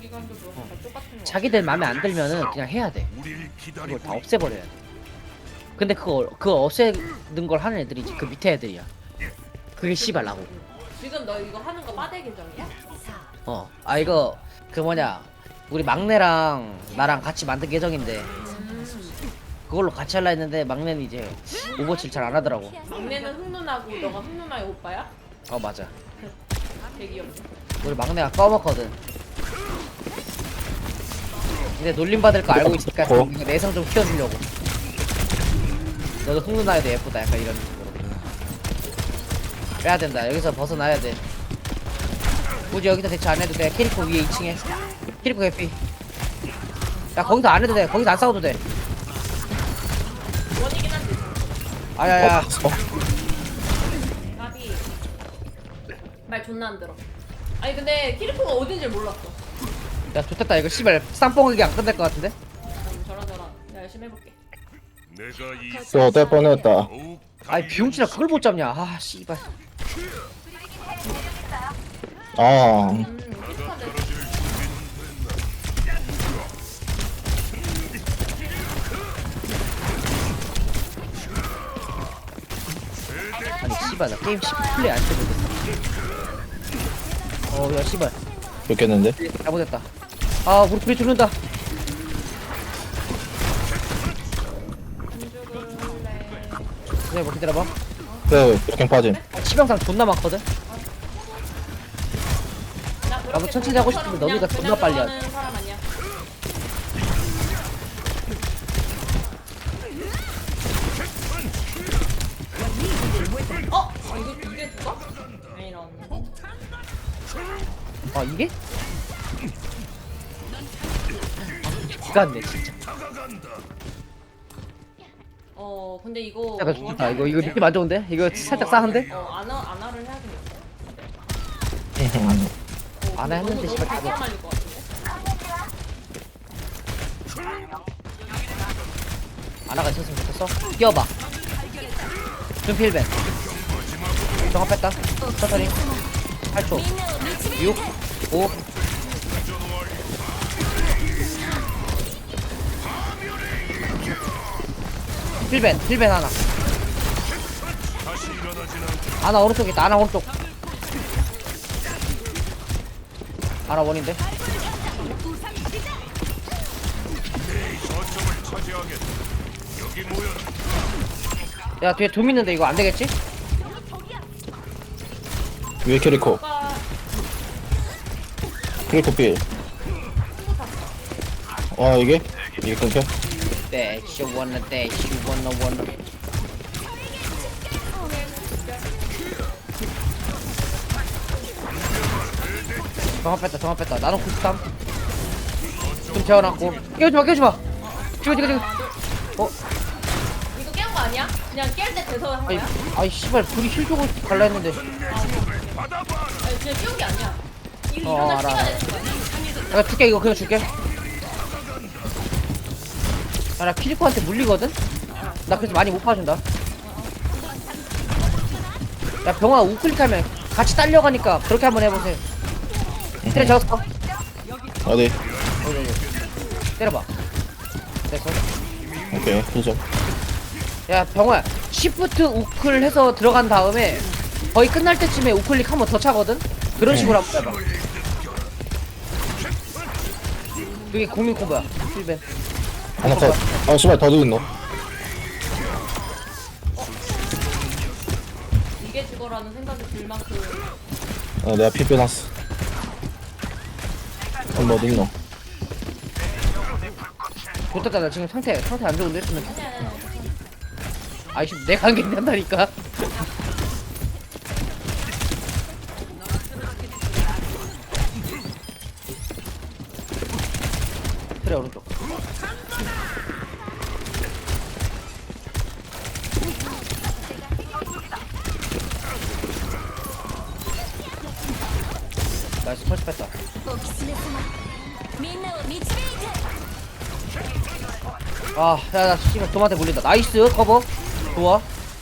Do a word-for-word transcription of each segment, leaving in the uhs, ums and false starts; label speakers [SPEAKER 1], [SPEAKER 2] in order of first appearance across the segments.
[SPEAKER 1] 시간도 뭐 다 똑같은 거.
[SPEAKER 2] 자기들 마음에 안 들면은 그냥 해야 돼. 그걸 다 없애버려야 돼. 근데 그거 그거 없애는 걸 하는 애들이지 그 밑에 애들이야. 그게 씨발 나고.
[SPEAKER 1] 지금 너 이거 하는 거 빠대 계정이야?
[SPEAKER 2] 어. 아 이거 그 뭐냐 우리 막내랑 나랑 같이 만든 계정인데
[SPEAKER 1] 음.
[SPEAKER 2] 그걸로 같이 할라 했는데 막내는 이제 오버워치를 잘 안 하더라고.
[SPEAKER 1] 막내는 흑누나고 너가 흑누나의 오빠야?
[SPEAKER 2] 어 맞아.
[SPEAKER 1] 되게 귀엽네.
[SPEAKER 2] 우리 막내가 꺼먹거든. 근데 놀림 받을 거 알고 있으니까
[SPEAKER 3] 어?
[SPEAKER 2] 좀 내성 좀 키워주려고. 너도 흑누나에도 예쁘다 약간 이런 식으로. 빼야 된다. 여기서 벗어나야 돼. 굳이 여기서 대처 안 해도 돼. 캐리코 위에 이 층에. 캐리코 개피. 야 거기서 안 해도 돼. 거기서 안 싸워도 돼.
[SPEAKER 1] 원이긴 한데.
[SPEAKER 2] 아야야.
[SPEAKER 3] 어?
[SPEAKER 1] 나비. 말 존나 안 들어. 아니 근데 키리코가 어딘지 몰랐어.
[SPEAKER 2] 야 좋겠다. 이거 씨발 쌈뽕하게 안 끝날 것 같은데?
[SPEAKER 1] 음, 저런 저런. 내가 열심히 해볼게.
[SPEAKER 3] 또 어떨 뻔했다.
[SPEAKER 2] 아이 비용치나 그걸 못 잡냐. 아 씨발.
[SPEAKER 3] 아,
[SPEAKER 1] 음, 키리코한테
[SPEAKER 2] 아니 씨발 나 게임 십 분 플레이 안 해도 돼. 어야 씨발.
[SPEAKER 3] 좋겠는데?
[SPEAKER 2] 잘못했다. 아 우리 둘이 죽는다.
[SPEAKER 1] 안 죽을래.
[SPEAKER 2] 기다려봐 기다려봐.
[SPEAKER 3] 그래, 이렇게 빠짐.
[SPEAKER 2] 치명상 존나 많거든.
[SPEAKER 1] 나
[SPEAKER 2] 나도
[SPEAKER 1] 그렇게
[SPEAKER 2] 천천히 하고 싶은데
[SPEAKER 1] 그냥-
[SPEAKER 2] 너보다
[SPEAKER 1] 그냥
[SPEAKER 2] 존나 빨리
[SPEAKER 1] 들어가는 사람 아니야. 어? 아, 이거 이게 누가? 아니 이런.
[SPEAKER 2] 아 이게? 기가 안 돼 진짜.
[SPEAKER 1] 어 근데 이거
[SPEAKER 2] 약간 좋다. 이거 이거 느낌 안 좋은데? 이거 살짝 싸한데?
[SPEAKER 1] 어 안아 안아를 해야겠는데. 어,
[SPEAKER 2] 안아
[SPEAKER 1] 너무-
[SPEAKER 2] 했는데
[SPEAKER 1] 너무
[SPEAKER 2] 씨발
[SPEAKER 1] 바짝
[SPEAKER 2] 다
[SPEAKER 1] 말릴 것 같은데.
[SPEAKER 2] 아나가 있었으면 좋겠어. 뛰어봐. 준필벤. 정합 뺐다. 천천히. 팔 초. 육, 오. 필벤, 필벤 하나. 아나 오른쪽 있다. 아나 오른쪽. 아나 원인데. 야 뒤에 둠 있는데 이거 안 되겠지?
[SPEAKER 3] 위에 캐리코.
[SPEAKER 1] 오빠
[SPEAKER 3] 캐리코 필. 와, 이게? 이게 끊겨?
[SPEAKER 2] Dash, you wanna dash, you wanna wanna. 정합 뺐다, 정합 뺐다. 나는 구십삼. 좀 재워놨고. 깨우지마, 깨우지마. 지금, 지금, 지금. 어?
[SPEAKER 1] 이거 깨운 거 아니야? 그냥 깰 때 돼서 한
[SPEAKER 2] 아이,
[SPEAKER 1] 거야?
[SPEAKER 2] 아이, 씨발, 불이 힐 주고 갈라 했는데.
[SPEAKER 1] 아니 그냥 깨운 게 아니야. 이거
[SPEAKER 2] 어,
[SPEAKER 1] 일어날
[SPEAKER 2] 알아,
[SPEAKER 1] 시간에
[SPEAKER 2] 알아.
[SPEAKER 1] 된 거야.
[SPEAKER 2] 내가 줄게, 이거 그냥 줄게. 아, 나 키리코한테 물리거든? 나 그래서 많이 못 봐준다. 야, 병아 우클릭하면 같이 딸려가니까 그렇게 한번 해보세요. 때려 잡았어.
[SPEAKER 3] 어디?
[SPEAKER 2] 여기, 여기. 때려봐. 됐어.
[SPEAKER 3] 오케이, 힐
[SPEAKER 2] 야 병호야 시프트 우클 해서 들어간 다음에 거의 끝날 때쯤에 우클릭 한 번 더 차거든? 그런
[SPEAKER 3] 네.
[SPEAKER 2] 식으로 한번 해봐. 그게 국민 콤보야. 필벤.
[SPEAKER 3] 하나 컷. 아, 씨발, 더 죽은 너.
[SPEAKER 1] 이게 죽어라는 생각이 들 만큼
[SPEAKER 3] 아, 내가 피 빼놨어. 한번 어디 있노?
[SPEAKER 2] 좋겠다. 나 지금 상태 상태 안 좋은데 했으면. 아이씨 내가 안 괜찮다니까. 그래 오른쪽. 나이스 펄스 뺐다.
[SPEAKER 4] おきつね様みんなを導いて
[SPEAKER 2] 아, 야, 나 씨발 도마한테 물린다. 나이스 커버. 좋아.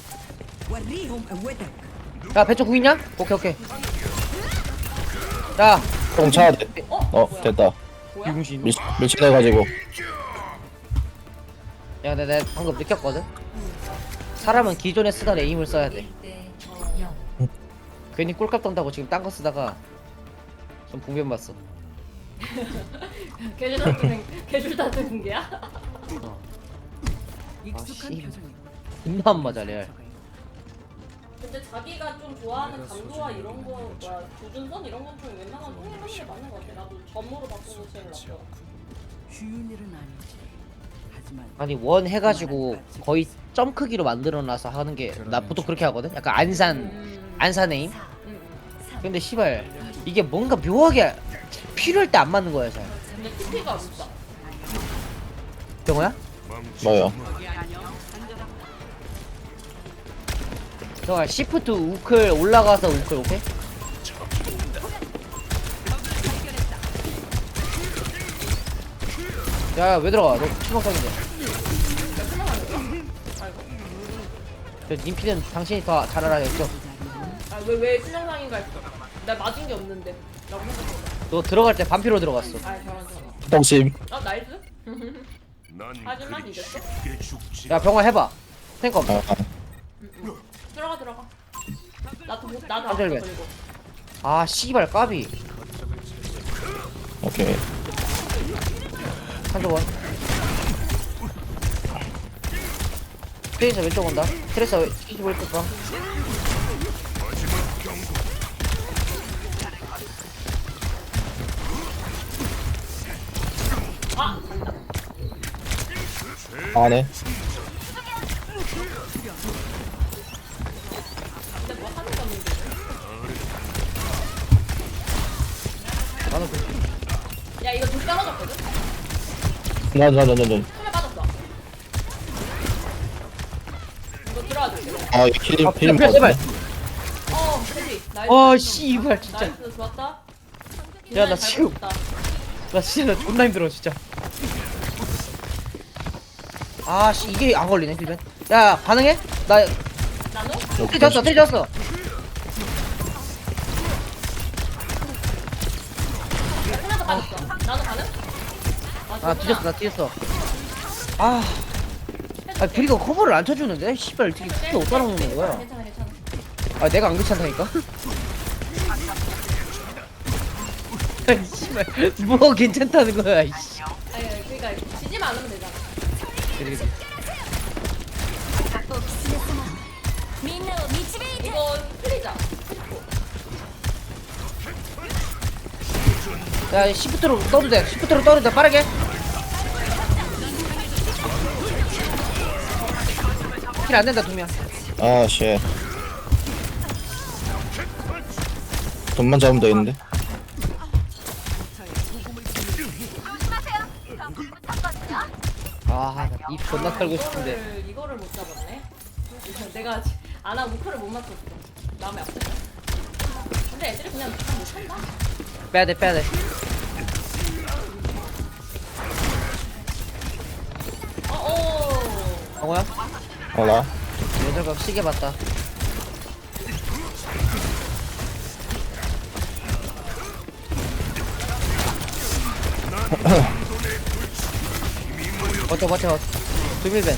[SPEAKER 2] 야, 배쪽 구 있냐? 오케이, 오케이. 야,
[SPEAKER 3] 조금 차야 돼. 어, 됐다.
[SPEAKER 1] 뭐야?
[SPEAKER 2] 병신.
[SPEAKER 3] 밀 밀치해가지고.
[SPEAKER 2] 야, 근데 내가 방금 느꼈거든. 사람은 기존에 쓰던 에임을 써야 돼. 괜히 꼴값 떤다고 지금 딴 거 쓰다가 좀 분변 봤어.
[SPEAKER 1] 개줄 같은 개줄 같은 군계야?
[SPEAKER 2] 아 씨. 존나 안 맞아 레알.
[SPEAKER 1] 근데 자기가 좀 좋아하는 감도와 이런 거, 뭐야, 조준선 이런 건 좀 웬만하면 통일하는 게 맞는 것 같아. 나도 점으로 바꾸는 게 제일 낫고.
[SPEAKER 5] 쉬운 일은 아니지. 하지만
[SPEAKER 2] 아니 원 해가지고 거의 점 크기로 만들어놔서 하는 게 나 보통 그렇게 하거든. 약간 안산
[SPEAKER 1] 음,
[SPEAKER 2] 안산 에임.
[SPEAKER 1] 음.
[SPEAKER 2] 근데 씨발 이게 뭔가 묘하게 필요할 때 안 맞는 거야 잘.
[SPEAKER 1] 근데 티피가 없어.
[SPEAKER 2] 경호야?
[SPEAKER 3] 뭐요?
[SPEAKER 2] 경호야 시프트 우클 올라가서 우클 오케이? 야 왜 들어가? 너 추방상인데. 저 님피는 당신이 더 잘 알아요. 저.
[SPEAKER 1] 아, 왜, 왜 신영상인가 했어. 나 맞은 게 없는데. 라고 생각했어.
[SPEAKER 2] 너 들어갈 때 반피로 들어갔어.
[SPEAKER 1] 아, 저런 저런.
[SPEAKER 3] 똥심.
[SPEAKER 1] 어, 나이스? 하지만 이겼어?
[SPEAKER 2] 야 병화 해봐. 탱커 없어.
[SPEAKER 3] 아, 아.
[SPEAKER 1] 들어가, 들어가. 나도, 못- 나도
[SPEAKER 2] 깜짝이야.
[SPEAKER 1] 앞서 걸리고.
[SPEAKER 2] 아 씨발 까비.
[SPEAKER 3] 오케이.
[SPEAKER 2] 한조원. 트레이서 왼쪽 온다. 트레이서 이십오 일 방.
[SPEAKER 1] 아! 간다.
[SPEAKER 3] 안에.
[SPEAKER 1] 근데 뭐 하는 게 없는데.
[SPEAKER 2] 나는 그
[SPEAKER 1] 야, 이거 둘 떨어졌거든?
[SPEAKER 3] 나나나나나.
[SPEAKER 1] 손에 빠졌어. 이거 들어와 줄게.
[SPEAKER 3] 아, 이 킬림
[SPEAKER 2] 아,
[SPEAKER 3] 킬림.
[SPEAKER 2] 제발, 제발.
[SPEAKER 1] 어, 그지? 나이스.
[SPEAKER 2] 아 씨발 진짜.
[SPEAKER 1] 나이스, 좋았다.
[SPEAKER 2] 야,
[SPEAKER 1] 김나연
[SPEAKER 2] 나
[SPEAKER 1] 잘
[SPEAKER 2] 지금-
[SPEAKER 1] 버텼다.
[SPEAKER 2] 나 진짜 나 존나 힘들어 진짜. 아씨 이게 안 걸리네 필벤. 야 가능해? 나
[SPEAKER 1] 나노?
[SPEAKER 2] 트레 졌어 트레 졌어.
[SPEAKER 1] 하나도 빠졌어. 나노 가능?
[SPEAKER 2] 아 뒤졌어 나 뒤졌어. 아. 아 브리가 커버를 안 쳐주는데? 씨발 어떻게 그렇게 못 따라오는 거야?
[SPEAKER 1] 괜찮아, 괜찮아.
[SPEAKER 2] 아 내가 안 괜찮다니까? 아이 씨발 뭐 괜찮다는 거야 이씨.
[SPEAKER 1] 아니, 그니까, 지지만 않으면 되잖아.
[SPEAKER 2] 그래, 그래.
[SPEAKER 4] みんなを導いて
[SPEAKER 1] 이거 틀리자.
[SPEAKER 2] 야 시프트로 떠도 돼 시프트로 떠도 돼 빠르게. 킬 안 된다 두명.
[SPEAKER 3] 아, 쉣. 돈만 잡으면 되겠는데.
[SPEAKER 2] 아입 존나 털고 싶은데.
[SPEAKER 1] 이거를, 이거를 못 잡았네. 내가 아나 우크를 못 맞췄어. 마음이 아프다. 근데 애들이 그냥 다 못한다.
[SPEAKER 2] 빼야돼 빼야돼.
[SPEAKER 1] 어, 어.
[SPEAKER 2] 강호야?
[SPEAKER 3] 알아.
[SPEAKER 2] 여자가 시계 봤다. 버텨 버텨. 두밀벤.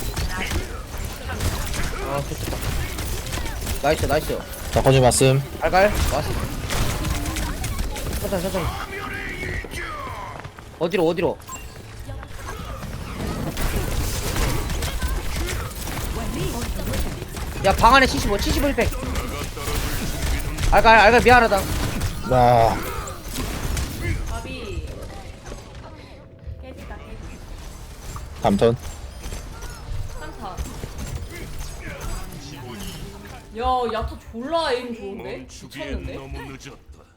[SPEAKER 2] 아 좋다. 나이스 나이스.
[SPEAKER 3] 자, 거짓 말씀.
[SPEAKER 2] 갈갈 왔어. 천천히 천천히. 어디로 어디로? 야 방 안에 칠십오 칠십오 일 팩. 알갈 알갈 미안하다.
[SPEAKER 3] 나
[SPEAKER 1] 밥이 깨지다 깨지.
[SPEAKER 3] 담턴.
[SPEAKER 1] 한타. 야, 야타 졸라 에임 좋은데? 미쳤는데?
[SPEAKER 6] 너무 늦었다.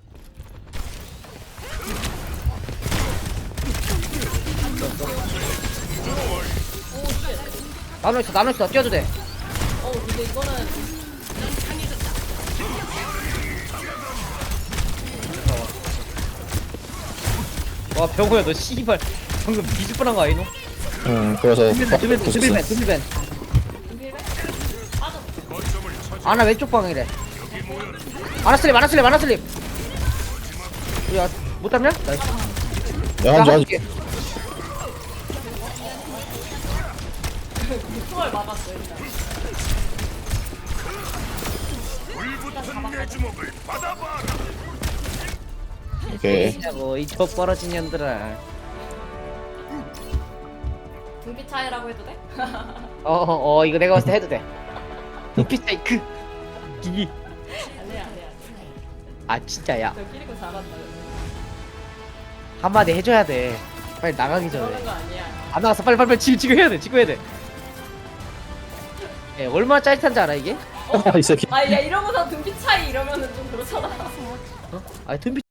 [SPEAKER 1] 오, 쉣.
[SPEAKER 2] 나눠 있어 나눠 있어 뛰어도 돼.
[SPEAKER 1] 어, 근데 이거는
[SPEAKER 2] 와 병호야 너 씨발 방금 비즈뻔한 거 아니노?
[SPEAKER 3] 응, 그래서
[SPEAKER 2] 두밀벤 두밀벤
[SPEAKER 3] 어,
[SPEAKER 2] 두밀벤 두밀벤.
[SPEAKER 1] 준비해? 빠졌어.
[SPEAKER 2] 아나 왼쪽 방이래. 아나 슬립 아나 슬립 아나 슬립. 야못 잡냐? 나이스.
[SPEAKER 3] 내가 한줄 하지.
[SPEAKER 1] 총알 막았어 일단.
[SPEAKER 3] 오케이.
[SPEAKER 2] 진짜고 이 젖벌어진 년들아.
[SPEAKER 1] 등비 차이라고 해도 돼?
[SPEAKER 2] 어어 어, 이거 내가 봤을 때 해도 돼. 눈빛 그 기기.
[SPEAKER 1] 안해 안해 안해.
[SPEAKER 2] 아 진짜야.
[SPEAKER 1] 저 끼리고 잘한다.
[SPEAKER 2] 한마디 해줘야 돼. 빨리 나가기 전에.
[SPEAKER 1] 그러는 거 아니야.
[SPEAKER 2] 안 나가서 빨리 빨리 빨리 지금 지금 해야 돼. 지금 해야 돼. 예, 얼마나 짜릿한지 알아 이게?
[SPEAKER 3] 이 새끼.
[SPEAKER 1] 아야 이러고서 등비 차이 이러면은 좀 그렇잖아.
[SPEAKER 2] 아, 눈빛